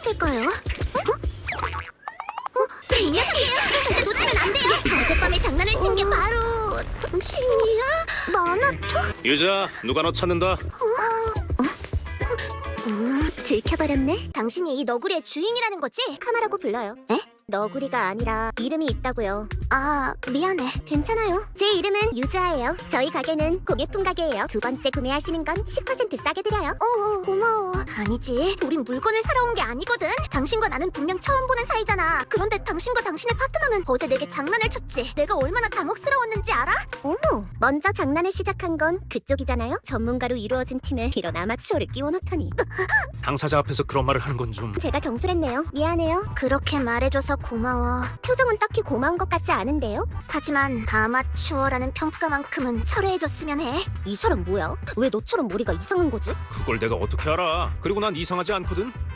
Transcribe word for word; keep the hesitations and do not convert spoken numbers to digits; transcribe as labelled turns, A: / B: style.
A: 했을까요? 어? 어? 이 녀석이에요! 절대 놓치면 안 돼요! 어젯밤에 장난을 친 게 바로... 당신이야? 마나토?
B: 유자, 누가 너 찾는다.
A: 음, 들켜버렸네. 당신이 이 너구리의 주인이라는 거지? 카마라고 불러요. 에? 너구리가 아니라 이름이 있다고요. 아, 미안해. 괜찮아요. 제 이름은 유자예요. 저희 가게는 공예품 가게예요. 두 번째 구매하시는 건 십 퍼센트 싸게 드려요. 어, 고마워. 아니지, 우린 물건을 사러 온 게 아니거든. 당신과 나는 분명 처음 보는 사이잖아. 그런데 당신과 당신의 파트너는 어제 내게 장난을 쳤지. 내가 얼마나 당혹스러웠는지 알아? 어머, 먼저 장난을 시작한 건 그쪽이잖아요. 전문가로 이루어진 팀에 이런 아마추어를 끼워넣다니.
B: 당사자 앞에서 그런 말을 하는 건 좀...
A: 제가 경솔했네요. 미안해요. 그렇게 말해줘서 고마워. 표정은 딱히 고마운 것 같지 않은데요? 하지만 아마추어라는 평가만큼은 철회해줬으면 해. 이 사람 뭐야? 왜 너처럼 머리가 이상한 거지?
B: 그걸 내가 어떻게 알아. 그리고 난 이상하지 않거든.